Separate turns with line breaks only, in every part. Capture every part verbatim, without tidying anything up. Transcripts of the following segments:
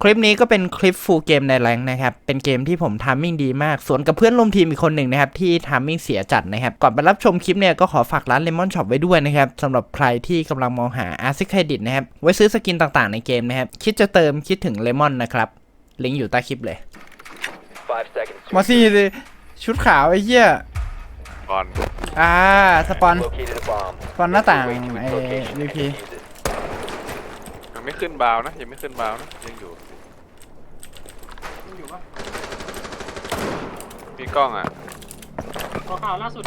คลิปนี้ก็เป็นคลิปฟูลเกมในแรงนะครับเป็นเกมที่ผมทามมิ่งดีมากสวนกับเพื่อนร่วมทีมอีกคนหนึ่งนะครับที่ทามมิ่งเสียจัดนะครับก่อนไปรับชมคลิปเนี่ยก็ขอฝากร้าน Lemon Shop ไว้ด้วยนะครับสำหรับใครที่กำลังมองหา Asset Credit นะครับไว้ซื้อสกินต่างๆในเกมนะครับคิดจะเติมคิดถึง Lemon นะครับลิงก์อยู่ใต้คลิปเลยมาสิชุดขาวไอ้เหี้ย
ก่อน
อ่าสปอนสปอนหน้าต่างไอ้ วี พี
ยังไม่ขึ้นบาวนะยังไม่ขึ้นบาวนะยังอยู่
ยังอยู่ปะ
มีกล้องอ่ะ
ขอข่าวล่าสุด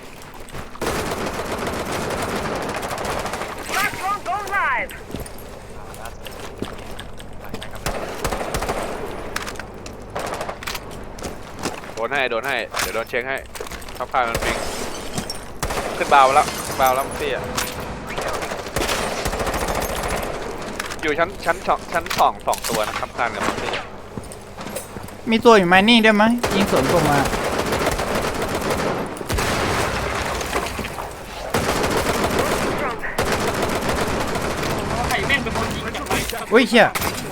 โดนให้โดนให้เดี๋ยวโดนเช็คให้ทับพายมันปิงขึ้นบาวแล้วบาวแล้วมันเตี้ยอยู่ชั้นชั้นสองชั้นสองสองตัวนะครับคานกับมันเตี้ย
มีตัวอยู่ไมนิ่งด้วยมั้ยยิงสวนกลมา
ไข่แม่งเป็นคนยิงจากไร
อุ้ยเชี่ย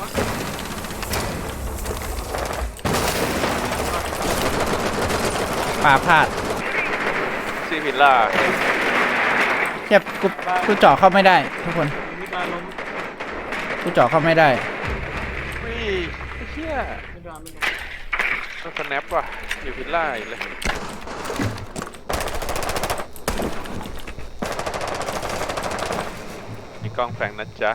ปาพลาด
ซีพิลล่า
เจ็บกูกูเจาะเข้าไม่ได้ทุกคนกูเจาะเข้าไม่ได้
อุ้ยเชี่ยต้องสแนปว่ะอยู่พิลล่าอีกเลยมีกล้องแฝงนะจ๊ะ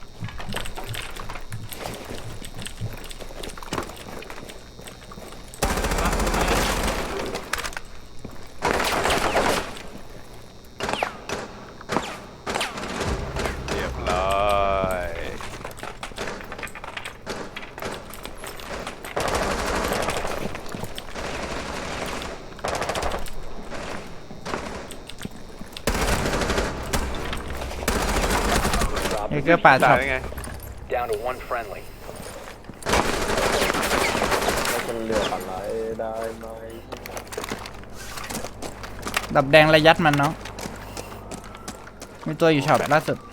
เอเกอร์ป่าช็อปดับแดงระยัดมันเนาะมีตัวอยู่ช็อปล่าสุด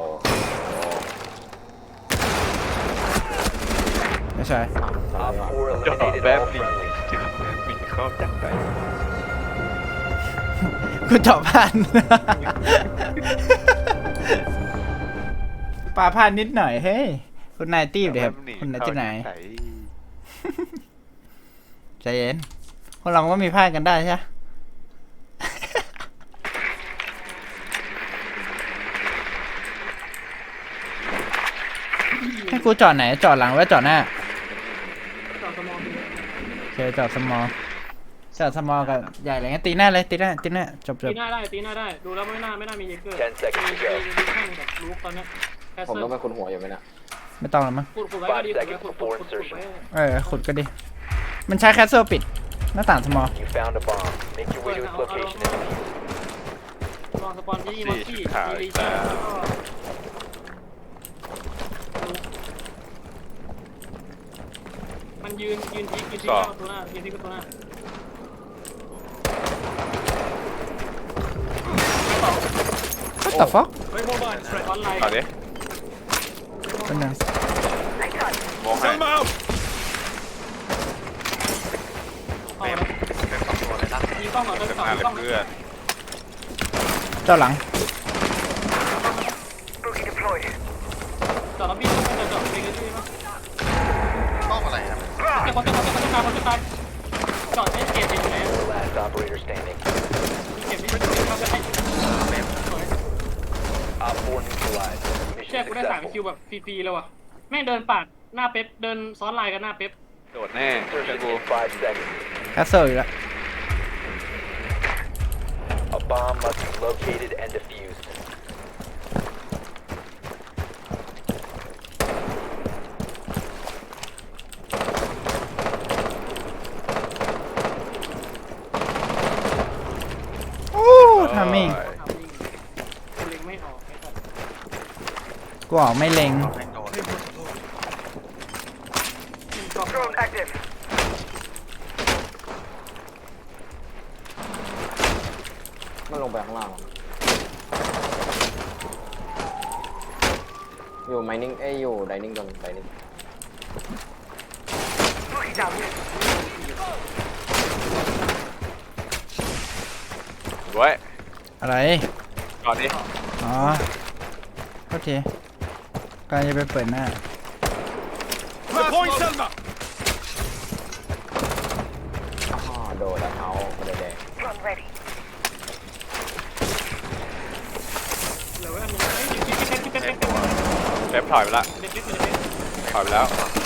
ไม่ใช่
จอดแบบนี้มีเข้าจังไป
กูเจาะผ่านปลาพลาดนิดหน่อยเฮ้ยคุณนายตีบเดี๋ยวครับคุณนายที่ไหนใจเย็นพวกเราก็มีพลาดกันได้ใช่ให้กูจอดไหนจอดหลังหรือจอดหน้า
จอดสมอง
โอเคจอดสมอจอดสมอกับใหญ่อะไรเงี้ยตีหน้าเลยตีหน้าตีหน้าจบจบ
ตีหน้าได้ตีหน้าได้ดูแล้วไม่น่าไม่น่ามีเยเกอร์มีมีแข่งกับลูกตอนนี้
ผมต้องเป็นคนหัวอยู่ไหมนะ
ไม่ต้องแล้วมั้ง
ขุดขุดไว้ก็ดีขุดขุดขุดขุดไว้
เออขุดก็ดีมันใช้แคสเซิลปิดหน้าต่างสมอล
ลองสปอนที่มัสกี้ดีจ้ามันยืนยืนที่ยืนที่ประตูหน้ายืนที่ประตูหน้า
ก็ต่อฟอก
เฮ้ยโมบายออนไลน์
เอาดิ
เป็นยัง
มองให้
มีกล้องเหรอเดินสองกล้อง
เจ้าหลัง
จอดแล้วพี่จะจอดไปกันที่มั้งกล้องอะไรครับจะคนจะคนจะตายคนจะตายจอดให้เกียร์อยู่ไหนเก็บนี่เขาจะให้เชื่อกูได้สามคิวแบบฟรีๆเลยว่ะแม่งเดินปาดหน้าเป๊ปเดินซ้อนลายกันหน้าเป๊ป
โดดแน่เชื่อกู
แคสเซิลอยู่แล้ว
A bomb must be located and defused.
โอ้ทำมิ่ง
เล็งไม่ออก
กูออกไม่เล็ง
มันลงไปข้างล่างอยู่ไมนิ่งเอ้ยอยู่ไดนิ่งก่อนไดนิ่ง
ไว้
อะไร
ก่อนนี้
อ๋อโอเคกำลังจะไปเปิดหน้า
Point Selma.
อ๋อโดดแล้วเขาคนแดง
เหลือไว้อันนึงเฮ้ยยิงยิงยิงเป็นเป็นเป็น
เซฟถอยไปละ
เล็กเล็กเลยเล็ก
ถอยไปแล้ว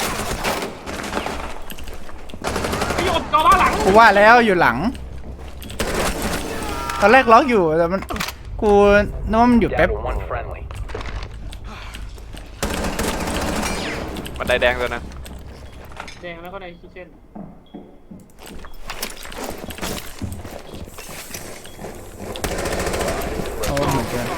ไอ้หยดจอบ้าหลัง
กูว่าแล้วอยู่หลัง ตอนแรกล็อกอยู่แต่มันกูนึกว่ามันอยู่แป๊บ
Down to one friendly.
บันไดแดงตัวนึง
แดงแล้วก็ในคิเช่น
โอ้เหมือนกัน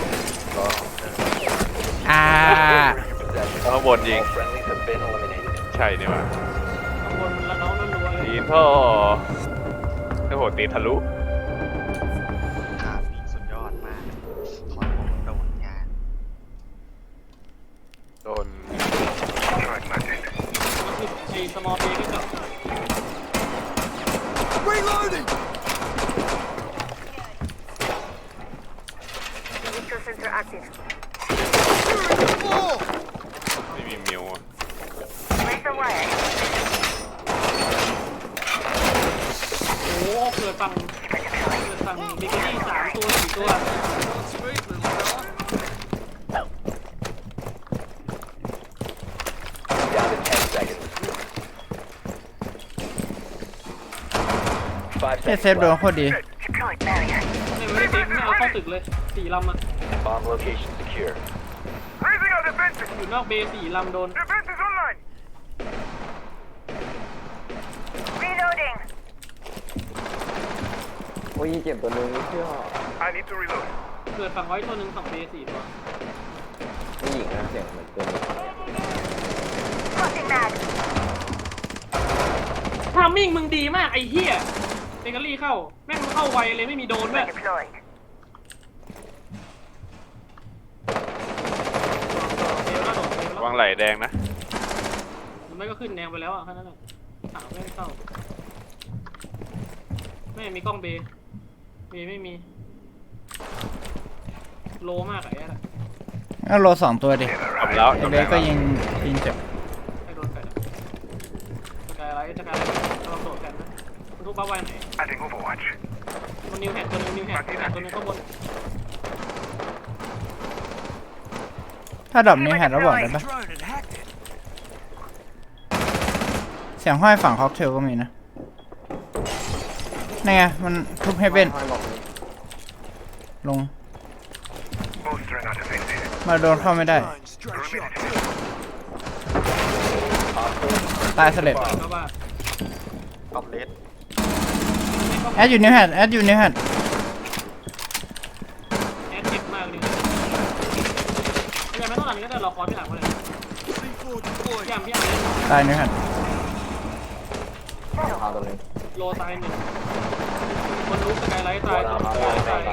อ่า
Possession.
ข้างบนยิง
All friendlies have been eliminated.
ใช่นี่หว่า
ข้างบนมันละน้องรัวๆเลย
ตีนพ่อโอ้โหตีทะลุ
ขามีสุดยอดมากถอยผมโดนงาน
โดน
ไอ้สมอลเบย์ก็จับ
Reloading!
Neutral sensor active.
ไม่มีมิวอะ
Raise the wire.
โอ้โหเกิดฝั่งเกิดฝั่งบิกินี่สามตัวสี่ตัว
Down to ten seconds. Five
เฮ้ย
seconds
เซฟโดน
left.
โคตรดี
Deployed barrier.
ไม่ไม่ได้ไม่เอาเข้าตึกเลยสี่ลำอะ
Bomb location secure.
Raising our defenses.
อยู่นอกเบย์สี่ลำโดน
Defenses online. Reloading.
โอ้ยเจ็บตัวนึงไม่เชื่อ
I need to reload.
เกิดฝั่งไว้ตัวหนึ่งฝั่งเบย์สี่ตัว
ผู้หญิงนะเสียงเหมือนตัวนี้
Crossing mag.
ทามมิ่งมึงดีมากไอ้เหี้ยเบเกอรี่เข้าแม่งเข้าไวเลยไม่มีโดนด้วย
Deployed.
เดี๋ยวน่าโดดเดี๋ยว
วางไหลแดงนะ
มันไม่ก็ขึ้นแนวไปแล้วอ่ะแค่นั้นแหละถามไม่เข้าไม่มีกล้องเบย์เบย์ไม่มีโลมากไอ้แหละ
ก็โลสองตัวดิ
ทำแล้ว
ไอเบสก็ยิงยิงเจ็บ
ไอ้โดนแฟนจะกลายอะไรจะกลายอะไรกำลังโดดแฟนนะมันทุกบ้าไวไหน
Adding Overwatch.
มันนิวแฮนตัวนึงนิวแฮนนิวแฮนตัวนึงข้างบน
ถ้าดรอปนี้หันแล้วบอกได้ปะ
Drone and hacked it.
เสียงห้อยฝั่งค็อกเทลก็มีนะนี่ไงมันทุบให้เป็น
ห้อยบอกเลย
ลง
Bolstering our defenses.
มาโดนเข้าไม่ได้
Drone, straight shot.
ตายสเลด
ก็ว่า
ออฟเลส
แอดอยู่นิวแฮดแอดอยู่นิวแฮด
แอดเจ็บมากเลยยังไม่ต้องหลังนี้ก็ได้รอคอร์พี่หลังมาเลย
ซี โฟร์ deployed.
พี่อ่ำพี่อ่ำเลย
ตายนิวแฮด
รองเท้าตัวนึง
โลตายหนึ่งคนรู้สกายไลท์ตาย
One
ตัว
on
ส
ตาย
กายไลท์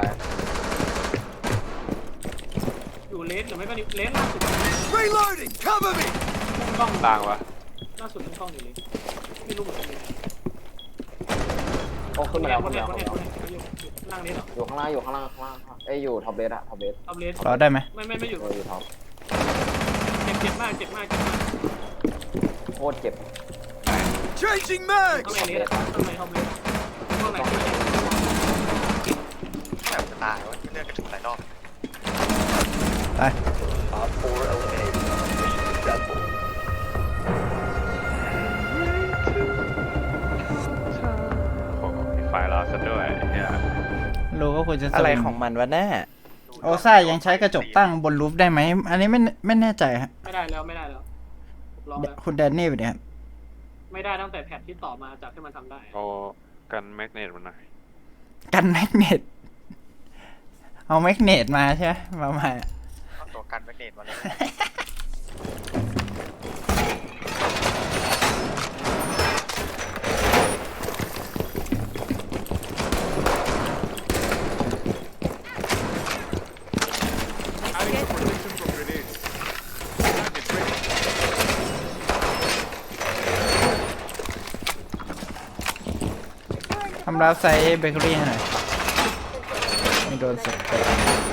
ตาย
ตาย
ตาย
อยู่เลสหรือไม่ก็เลสล่าสุด
Reloading! Cover me!
กล้อง
ล่างวะ
ล่าสุดเป็นกล้องอยู่เลยไม่รู้เหมือนกันเลย
โอ้ขึ้นมาแล้ว
ค
ขึ้
น
น
แร
มาก
ค
แล้ว
น
ขึ้น
แร
มาก
คนแรกเขาอยู่นั่งเลสเหรอ
อยู่ข้างล่างอยู่ข้างล่างข้างล่างเอ้ยอยู่ท็อปเบสอะท็อปเบส
เอาเลส
รอได้ไหม
ไม่ไม่ไม่อยู่
เอออยู่ท็อป
เจ็บเจ็บมากเจ็บมากเจ็บมาก
โคตรเจ็บ
Changing
ข้าง
mags!
ในเลสอะข้างในท็อปเลสข้างในข้างใน
แบบจะตายวะเลือกกระถุกหลายรอบ
ตาย
Op four eliminated. Mission successful.
โอ้โหมีไฟล์เราซะด้วยเหี้ย
รู้ก็ควรจะ
อะไรของมันวะแน่
โอซ่ายังใช้กระจกตั้งบนรูฟได้ไหม อันนี้ไม่ไม่แน่ใจฮะ
ไม่ได้แล้วไม่ได้แล้วลองแล้ว
คุณแดนนี่ไปเนี่ยครับ
ไม่ได้ตั้งแต่แพทที่ต่อมาจากที่มันทำได้
เอากันแมกเนตมันหน่อย
กันแมกเนตเอาแมกเนตมาใช่ไหมมามา
เอาตัวกันแมกเนตมาเลย
Op
ำรับไซส์เบเกอรี่ให้หน่อยไม่โดนสเปรย์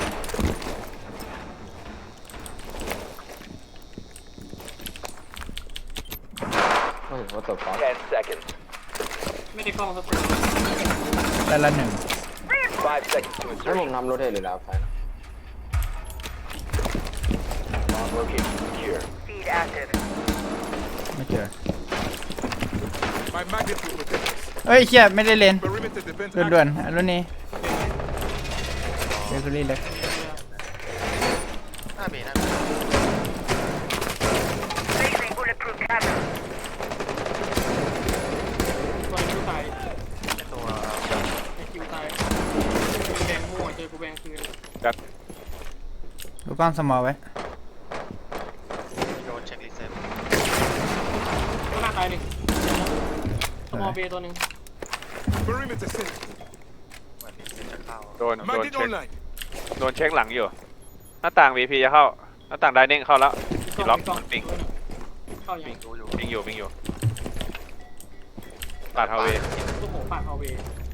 เฮ้ยว่าตัวก๊อต
ten seconds.
ไม่ได้กล้องสเปรย์
แต่ละหนึ่ง
five seconds to
ให้ผม
insertion.
ทำโรเทตหรือแล้วใช่นะ
Bomb location secure.
Feed active.
ไม่เจอ
My magnitude protectors.
เฮ้ยเชี่ยไม่ได้เล่น
Perimeter defense.
ด่วนๆอันนี้เบเกอรี่เล็ก
หน้าเบหน้า
Placing bulletproof camera.
ตัวคิวตาย
ตัว
ไอคิวตายแบงมั่วเจอกูแบงคืน
ดูกล้องสมอลไว้
โดนเช็ครีเซ็ต
ก็น่าตายดิสมอลเบตัวหนึ่ง
Perimeter set.
เหมือนรีเซ็ตจะเข้า
โดนโดน
Magnet
เช็ค
online.
โดนเช็คหลังอยู่ หน้าต่าง วี พี จะเข้า หน้าต่างไดเน่งเข้าแล้วมีล็อกมันปิง
เข้ายัง
ดูอยู่
ปิงอยู่ปิงอยู่ปาดเฮาเวย์
ลูกโหปากเอาเว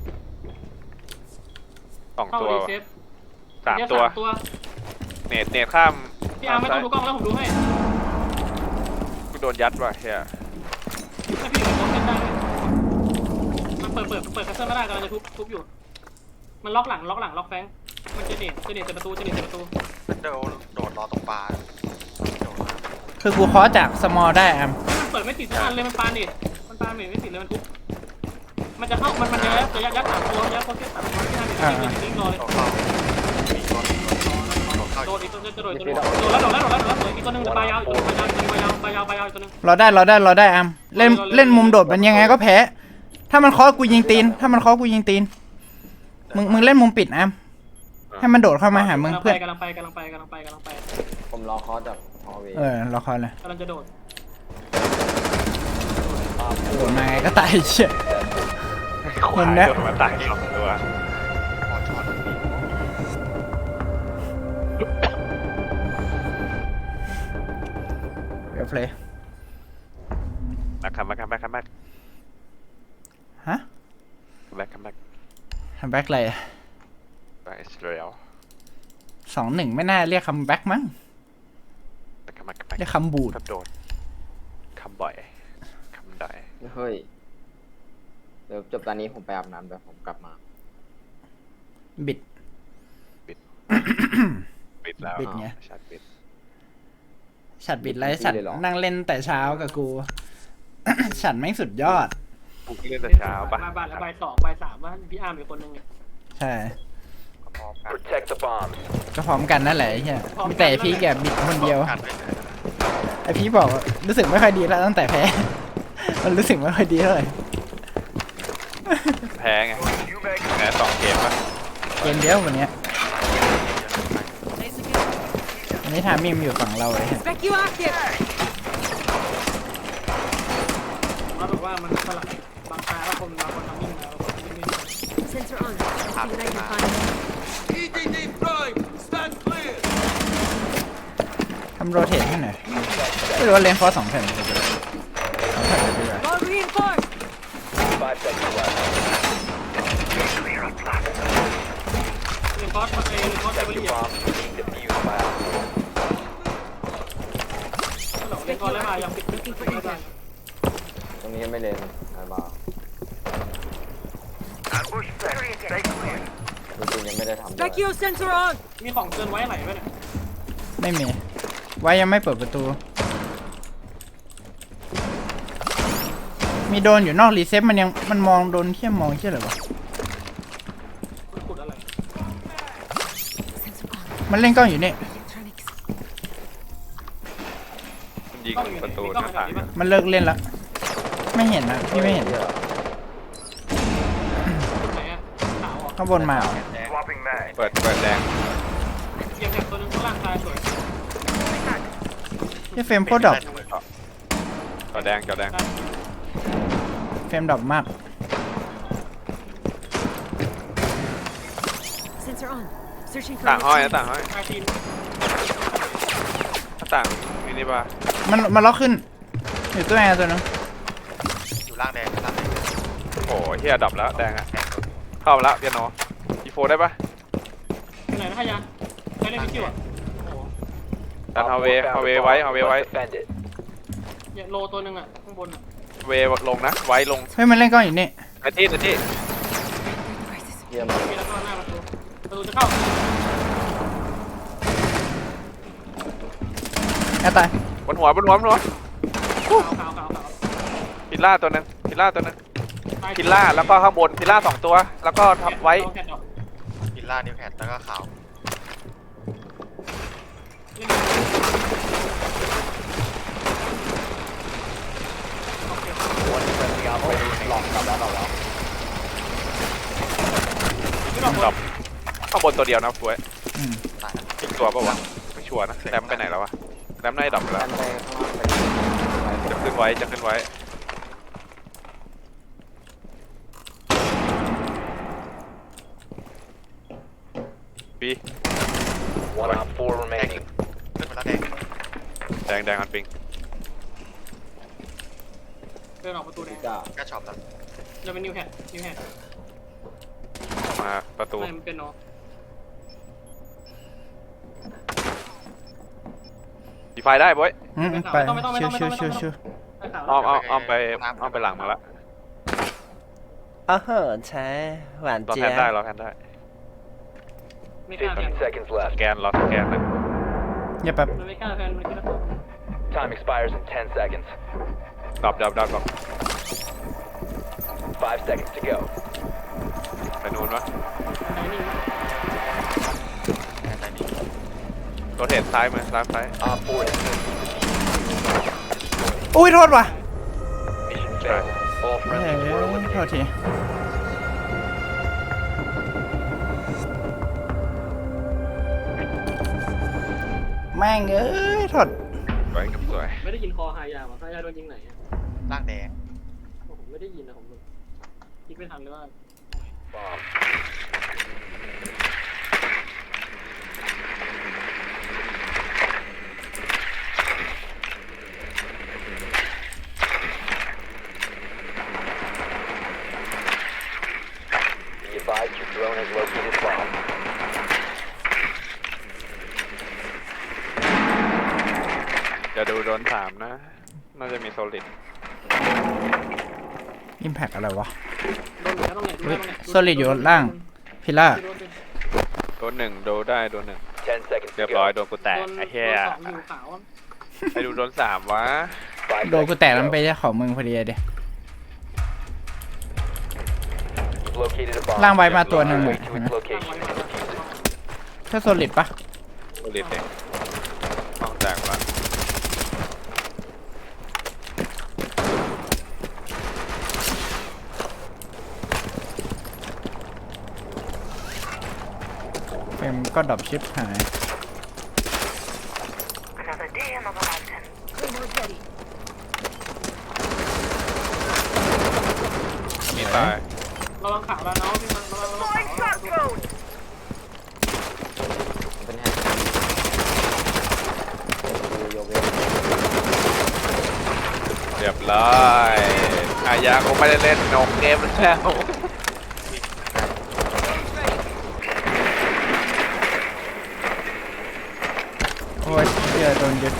สอง
เข้า
ตัว
รี
ว่ะ
เซ็ต
สามตัว
ตัว
เนตเนตข้าม
พี่อาร์ไม่ต้องดูกล้องแล้วผมดูให้
กูโดนยัดว่ะเฮีย
ถ้าพี่อยู่ในกล้องเล่นได้มันเปิดเปิดเปิดคัสเซิลไม่ได้กำลังจะทุบทุบอยู่มันล็อกหลังล็อกหลังล็อกแฟงมันจะเน็ตจะเน็ตประตูจะเน็ตประตู
โดดโดดรอตรงปลาโดดมา
คือกูเคาะจากสมอลได้อ่ะ
มันเปิดไม่ติดทุกอันเลยมันปาเน็ตมันปาเน็ตไม่ติดเลยมันทุบมันจะเข้ามันมันจะยัดจะยัดยัดสามตัวยัดโคตรสามตัวที่ทำเป็นจริงรอเลย
โดดเข้ามีตัวโดดเข้า
โดนอีกตัวจะโดนตัวนึงโดนแล้วโดนแล้วโดนแล้วโดนแล้วอีกตัวนึงปลายาวอีกตัวปลายาวปลายาวปลายาวปลายาวอีกตัวนึง
เราได้เราได้เราได้อ่ะเล่นเล่นมุมโดดมันยังไงก็แพ้ ถ้ามันเคาะกูยิงตีน ถ้ามันเคาะกูยิงตีน มึงมึงเล่นมุมปิดอ่ะให้มันโดดเข้ามาหามึงเพื่อน
กำลังไปกำลังไปกำลังไปกำลังไป
ผมรอคอจากฮอลเวย์
เออเราเคาะเลย
กำลังจะโดด
โดดมาไงก็ตายเชี่ย
ควาย
เห็นแล้ว
โดนมาตายสองตัว
พอช็อต
เดี๋ยวเพลย์
มาคัมมาคัมมาคัมมา
ฮะ
แบ็คคัมแบ็ค
ทำแบ็คอะไร
ไปอิสราเอล
สองหนึ่งไม่น่าเรียกคำแบ็คมั้ง
แบ็คคัมแบ็คคัมแบ็ค
เรียกคำบูด
คำโดดคำบ่อยคำด่อย
เฮ้ยเดี๋ยวจบตอนนี้ผมไปอาบน้ำเดี๋ยวผมกลับมา
บิด
ปิดแล้ว
ปิดไง
ชัดปิด
ฉัดบิดไรฉัดนั่งเล่นแต่เช้ากับกู ฉัดแม่งสุดยอด
กูเล่นแต่เช้าปะ
มาบ่ายแล้วบ่ายสองบ่ายสามว่าพี่อาร์มอีกคนนึงเนี่ย
ใช่
พร้อมกัน
Protect the bombs.
ก็พร้อมกันนั่นแหละไอ้เหี้ยมีแต่ไอ้พี่แกบิดคนเดียว
กันไว้เลย
ไอพี่บอกว่ารู้สึกไม่ค่อยดีแล้วตั้งแต่แพ้ มันรู้สึกไม่ค่อยดีเท่าไหร่
แพ้ไงแพ้สองเกมปะ
เกมเดียววันเนี้ยวันนี้ทามิมอยู่ฝั่งเราเลย
Spec you active!
เขาบอกว่ามันสลับบางตาแล้วคนบางคนทำนิ่งแล้วคนที่ไม่
Sensor on. Anything that I can find.
E D D Prime. Stand clear.
ทำโรเททให้หน่อยไม่รู้ว่าเลนฟอร์สองแผ่นเลยสองแผ่นเลยดีกว่า
All reinforced!
Five seconds left.
เรียนคอร์สมาเองเรียนคอร์สไป
Protect
เรีย
your
น
bombs from being defused by op four.
เรียนคอร์สแล้วมายังปิดไม่ปิดไม่ได้
ตรงนี้ไม่เล่นไอ้บ้า
Ambush set. Stay clear.
จริงๆยังไม่ได้ทำเลย
Spec you sensor on!
มีของเกินไว้ไหลไหมเนี่ย
ไม่มี ไว้ยังไม่เปิดประตู มีโดนอยู่นอกรีเซ็ตมันยังมันมองโดนเที่ยมมองเที่ยอะไรวะ
คุณขุดอะไร
Sensor on.
มันเล่นกล้องอยู่นี่
Electronics.
มันยิงประตูหน้าต่างอะ
มันเลิกเล่นละไม่เห็นนะพี่ไม่เห็น
ไหนอะขาวอ่ะ
ข้างบนมาเหรอ
Swapping mag.
เปิดเปิดแดง
เกียร์แบบตัวนึงข้างล่างตายสวย
ที่เฟรมโคตรดรอป
จอแดงจอแดง
เฟรมดรอปมาก
Sensor on. Searching for
ต่างห้อยนะ
electronics.
ต่างห้อย
ตายทีน
หน้าต่างมินิบาร์
มันมันล็อกขึ้น อยู่ตัวแอร์ตัวนึง
อยู่ล่างแดงล่างแดง
โอ้โหเฮียดับแล้วแดงอะ
แดงโดน
เข้ามาแล้วเปียโนอีโฟได้ปะ
ไหนนะพยานได้เล่นมิคิวอ่ะโอ้โห
ดัน
Op
ฮาเว
four
ฮา
found
เว
the
ไว้
bomb.
ฮาเว
You
ไว้
must defend it.
อย่าโลตัวหนึ่งอ่ะข้างบนอ่ะ
เวลงนะไว้ลง
เฮ้ยมันเล่นกล้องอยู่นี่
ไอ้ที่ไอ้ที่
เยี่ยมมาก
มีแล้วก็หน้าประตูประตูจะเข้า
แอร์ตาย
บนหัวบนหัวบนหัว
ขาวขาวขาวขาว
พิลล่าตัวหนึงพิลล่าตัวหนึง
ตาย
พิลล่าแล้วก็ข้างบนพิลล่าสองตัวแล้วก็ทับไว้
แกะดอก
วิลล่านิวแพดแล้วก็ขาว
เล่น
One friendly operator remaining.
หลอกกลับแล้วหลอกแล้ว
ไม่ดอก
ดรอปข้างบนตัวเดียวนะฟวย
อืม
ตายแล้ว
อีกตัวปะวะไม่ชัวร์นะแรมไปไหนแล้ววะแรมน่าจะดรอปไปแล้ว
ดันไปข้างล่างไป
จะขึ้นไว้จะขึ้นไว้บี
One op four remaining.
ขึ้นมาแล้วแดง
แดงแดงอันปิง
เดินออกประตูแดง
จ้า
ก็ช็อปแล้ว
เราเป็นนิวแฮดนิวแฮด
มาประตู
ไม่มันเป็นเนาะ
ดีไฟได้บ้ย
อืมไปชิวชิวชิวชิว
ตายขาว
อ้อมอ้อมอ้อมไปอ้อมไปหลังมาละ
อ้าวเหรอใช่หวาน
รอ
เจี๊
แพ
ย
นได้
บ
รอแพนได้
ไม่กล้าแพน
fifteen seconds
ส
left.
แกนรอสแกนเลย
อย่าแบบ
มันไม่กล้าแพนมันคิดว่า
Time expires in ten seconds.
ดรอปดรอปดรอปดรอป
Five seconds to go.
ไปนู้นวะ
ไหนนี่
แอนไลนี่
รถเห็นซ้ายมือซ้ายซ้าย
Op four has been
อุ้ยโทษว่ะ
mission failed. All
เฮ้ย
friendlies were
โทษ
eliminated.
ทีแม่งเอ้ยโทษ
สวยกับสวย
ไม่ได้ยินคอหายาว่ะหายาโดนยิงไหนอ่ะ
ร่างแดง
ผมไม่ได้ยินนะผมคิดไม่ทันเลยว่า
Bomb. Be advised your drone has located bomb.
จะดูโดนสามนะ น่าจะมีโซลิด
อิมแพกอะไรวะ
โดนไหนต้องไหน
เฮ้ย Solid อยู่ล่าง พิล่า
โดนหนึ่งโดนได้โดนหนึ่ง
Ten seconds
เรีย
to
บร้อย
go.
โดนกูแตกไอ้เหี้ย
สองอยู่ขาว
ไอ้ดูโดนสามวะ
Five
โดน
seconds
กู
to
แตกแล้ว
go.
มันไปเจ้าของมึงพอดีเลยดิ
You've located a bomb.
ล่างไว้มาตัวหนึ่ง
Way
อะ
to
เห็น
its
ไหม
location and defuse it.
แค่โซลิดปะ
โซลิดเองต้องแตกละ
เฟรมก็ดรอปชิปหาย
Another day, another mountain.
Claymore's ready.
มีตาย
ระวังขาวแล้วเนาะพี่มันระวังระวัง
Flying
ขาว
shot code!
เป็นแฮนด์ดูโยเว
เรียบร้อยอายาคงไม่ได้เล่นนกเกมแล้ว
โอ้ยเหี้ยโดนยึด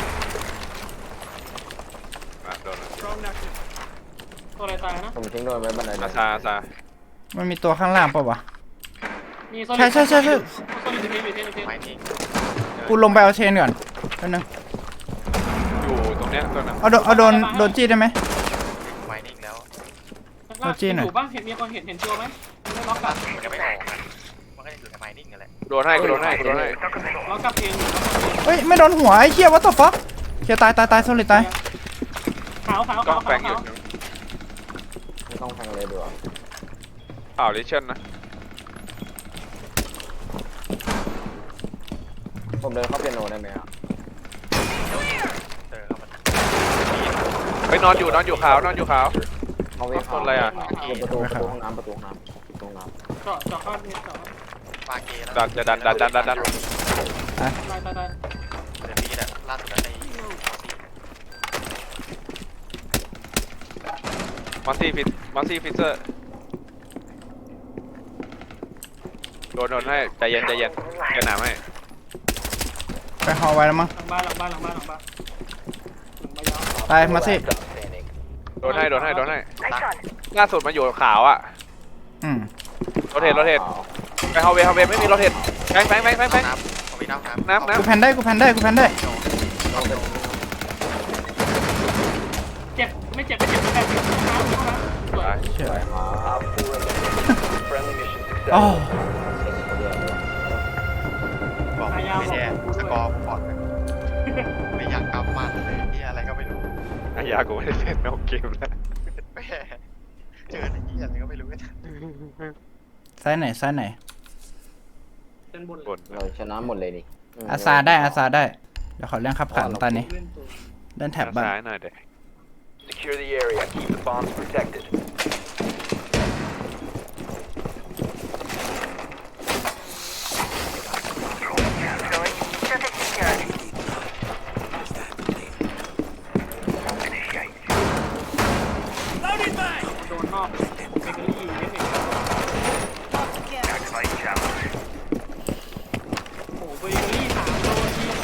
อ่ะโดน
ตัวอะไรตายนะ
ผมทิ้งโดนไว้บันได
อาซาอาซา
มันมีตัวข้างล่างปะวะ
มีโซ
ใช่ใช่ใช่ใช่
โซลิดเทนอยู่เทนอยู่เทน
ไม้นิ่ง
กูลงไปเอาเชนก่อนแป๊บนึง
อยู่ตรงเนี้ยตัวนั้น
เอาโดนเอาโดนโดนจี้ได้ไหม
ไม้นิ่งแล้ว
โรจี้หน่อย
อยู่ป่ะเห็นมีคนเห็นเห็นตัวไหมไม่ล็อกกลับ
มันยังไม่ออกนะมันก็ยังอยู่ในไม้นิ่งนั่นแหละ
โดนให้กูโดนให้กูโดนให้
ล็อกกลับเอง
เฮ้ยไม่โดนหัวไอ้เหี้ยวัตถุฟักเหี้ยตายตายตายโซลิดตาย
ขาวขาว
กล้
ขา
อ
ว
งแฟงอยู่
ไม่ต้องแทงเลยดีกว่า
เปล่าลิเชนนะ
ผมเดินเข้าเปียโนได้ไหมครับ
เจอเข้ามา
ไปนอนอยู่นอนอยู่ขาวนอนอยู่ขาว
เขาไม่เข้า
คนอะไรอะ
อยู่ประตูประตูห้องน้ำประตูห้องน้ำประตูห้องน้
เจาะเจาะเข้าเจาะ
ปาเกแล้ว
ดันจะดันดันดันดันดัน
ตายตายตาย
เดี๋ยวนี้แหละล่าสุดใน
มอนซี่ฟิตมอนซี่ฟิเซอร์โดนโดนให้ใจเย็นใจเย็นเดี๋ยวหนามให้
ไปฮอไว้แล้วมั้ง
หลังบ้านหลังบ้านหลังบ้านหลังบ้านหลังบ้านยาว
ตายมาสิ
Last stop standing.
โดนให้โดนให้โดนให้
Nice shot.
ล่าสุดมาอยู่ขาวอ่ะ
อืม
โรเทตโรเทตไปเฮาเวเฮาเวไม่มีโรเทตแฟงแฟงแฟงแฟงแฟง
น้ำเอาไปน้ำน้ำ
น้ำน้ำ
กูแพนได้กูแพนได้กูแพนได้
เอาไป
เจ็บไม่เจ็บไม่เจ็บไม่เจ็บไม่เจ็บห้องน้ำห้องน้ำสวย
เชื่อ
Op four eliminated. Friendly mission
อ๋อ
successful.
บอกไม่แน่สกอร์ผมบอกเลยไม่อยากกลับมาเลยที่อะไรก็ไม่รู้
อายากูไม่ได้เล่นนอกเกมแล้ว
แม่เจอไอ้ที่อะไรก็ไม่รู้
ซ้ายไหนซ้ายไหน
เส้นบน
บน
เราชนะหมดเลยนี่ม
อาซาได้อาซาได้ เดี๋ยวขอเรื่องขับขันตอนนี้
เล่นตัว
เล่นแท็บบ้าง
ซ้ายหน่อยเด็ก
Secure the area. Keep the bombs protected.
Deployed. Surface secured.
โดนนอกเบเกอรี่เล็กเองโอ้โหเบเกอรี่สามโดนที่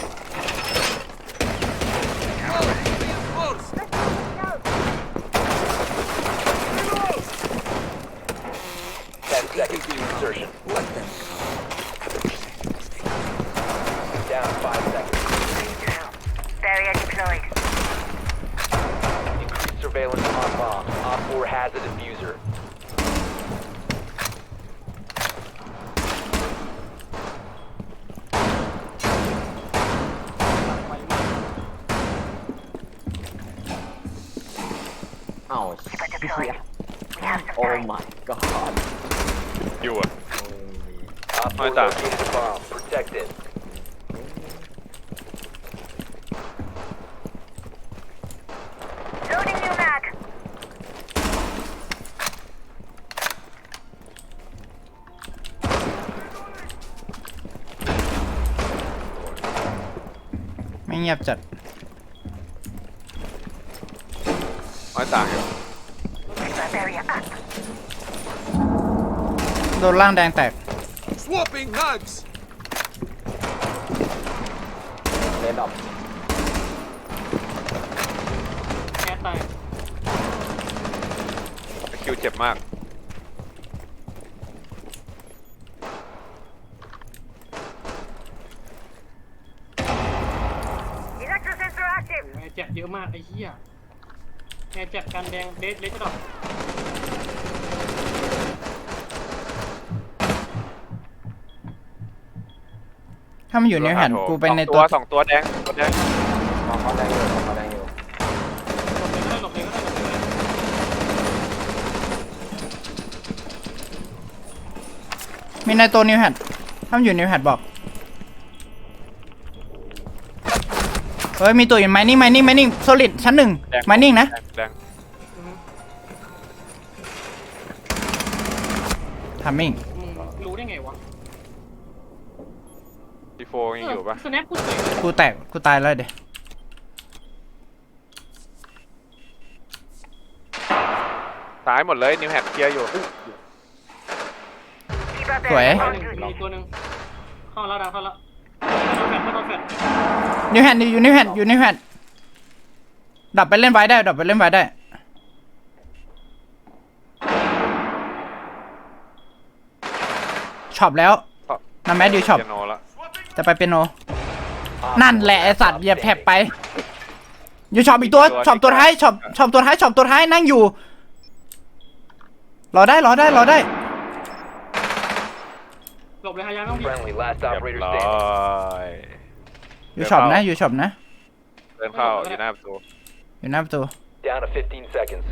Ten seconds to insertion. Down five seconds.
Barrier deployed.
Increased surveillance on bomb. Op four has a diffuser.
ไวมาก
เอ้า
Keeper deployed. We have some
โอ้
time.
my god
อยู่อ่ะ
Op four
Right there.
located a bomb. Protect it.
Loading new mag.
ไม่เงียบจัด
น้อยต่างอยู่
Keeper barrier up.
โดนล่างแดงแตก
เลดดอป
แอดตาย
คิวเจ็บมาก
Electro sensor active.
แอร์เจ็บเยอะมากไอ้เหี้ยแอร์เจ็บกันแดงเดสเลสจะดอก
ถ้ามันอยู่ในแผ่นกูไปใน
สอง
ตัว
สองตัวแดงตัวแดง
มองเขาแดงอยู่มองเขาแดงอยู่
หลบเลยก็ได้หลบเลยก็ได้หลบเลย
มีในตัวนิวแฮทถ้ามันอยู่นิวแฮทบอก เฮ้ย มีตัวอยู่ไมนิ่งไมนิ่งไมนิ่งโซลิดชั้นหนึ่ง
แดง
ไมนิ่งนะ
แดง
อือฮึ
ทัมมิ่ง
มึงรู้ได้ไงวะ
ดีโฟยังอยู่ปะ
สแนปกูเตะ
กูแตก กูตายแล้วเดี๋ยว
ซ้ายหมดเลยนิวแฮปเคลียร์อยู่
Keeper
สวย
barrier
ตัว
on
หนึ่ง
duty.
มีตัวหนึ่งเข้าแล้วดังเข้าแล้วไม่โดนแฟดไม่โดนแฟด
นิวแฮทอยู่นิวแฮทอยู่นิวแฮทดับไปเล่นไว้ได้ ดับไปเล่นไว้ได้ ช็อปแล้วน้ำแมดดิวช็อป
เปียโนละ
จะไปเปียโน นั่นแหละไอสัตว์เหยียบแท็บไป อยู่ช็อปอีกตัว ช็อปตัวท้าย ช็อป ช็อปตัวท้าย ช็อปตัวท้าย นั่งอยู่ รอได้ รอได้ รอได้
หลบเลยฮายาไม่ต้องดี
Friendly. Last
เรียบ
operator
ร้อ
standing.
ย
อยู่ช็อปนะ อยู่ช็อปนะ
เดินเข้าอยู่หน้าประตู
อยู่หน้าประตู
Down to fifteen seconds.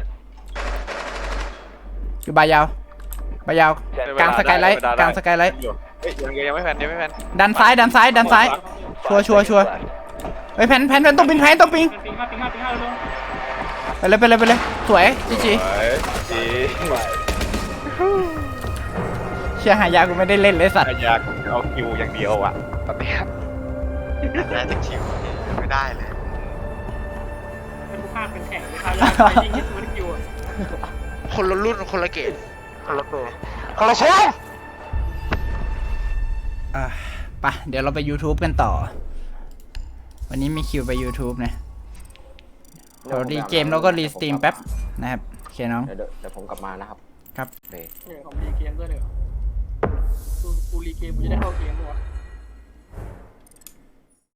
อยู่บายาว บายาว
Ten
กลางสกายไลท์ กลางสกายไลท์
เฮ้ยยังยังไม่แพนยังไม่แพน
ดันซ้าย ดันซ้าย ดันซ้าย ชัวร์
Five
ชัวร์ ชัวร์
seconds left.
เฮ้ยแพนแพนแพนต้องปิงแพนต้องปิง
ปิงห้าปิงห้าปิงห้าเร็ว
ไปเลยไปเลยไปเลย สวยจีจี
สวยจี
เชียร์หายากูไม่ได้เล่นเลยสัตว์
อายาเอาคิวอย่างเดียวอ่ะตอนเนี้ย
แรกจะคิวไม่ได้เลย
ๆเป็นผู้ภาคเป็นแข่งเลยฮายาไปยิงฮิตมันคิวอะ
คนละรุ่นคนละเกตคนละตัว
คนละเชฟอ่ะไปเดี๋ยวเราไป YouTube กันต่อ วันนี้มีคิวไป YouTube นะเดี๋ยวรีเกมแล้วก็รีสตรีมแป๊บนะครับโอเคน้อง
เดี๋ยวเดี๋ยวเดี๋ยวผมกลับมานะครับ
ครับ
โอเค
เนี่ยผมรีเกมด้วยเดี๋ยวกูกูรีเกมกูจะได้เข้าเกมด้วยวะ